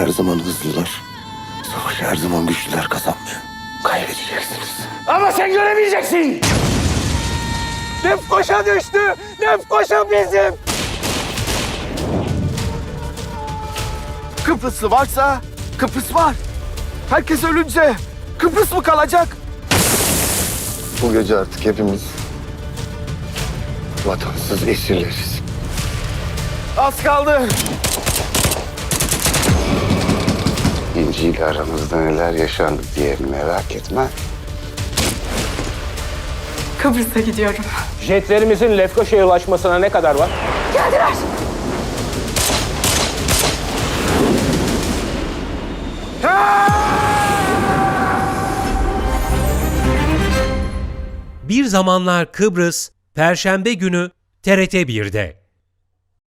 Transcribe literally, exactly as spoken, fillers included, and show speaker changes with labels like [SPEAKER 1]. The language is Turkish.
[SPEAKER 1] her zaman hızlılar. Savaşı her zaman güçlüler kazanmıyor. Kaybedeceksiniz.
[SPEAKER 2] Ama sen göremeyeceksin. Lefkoşa düştü. Lefkoşa bizim.
[SPEAKER 3] Kıbrıslı varsa Kıbrıs var. Herkes ölünce Kıbrıs mı kalacak?
[SPEAKER 1] Bu gece artık hepimiz vatansız esirleriz.
[SPEAKER 3] Az kaldı.
[SPEAKER 1] İnci ile aramızda neler yaşandı diye merak etme.
[SPEAKER 4] Kıbrıs'a gidiyorum.
[SPEAKER 2] Jetlerimizin Lefkoşa'ya ulaşmasına ne kadar var?
[SPEAKER 4] Geldiler.
[SPEAKER 5] Bir Zamanlar Kıbrıs, Perşembe günü T R T bir'de.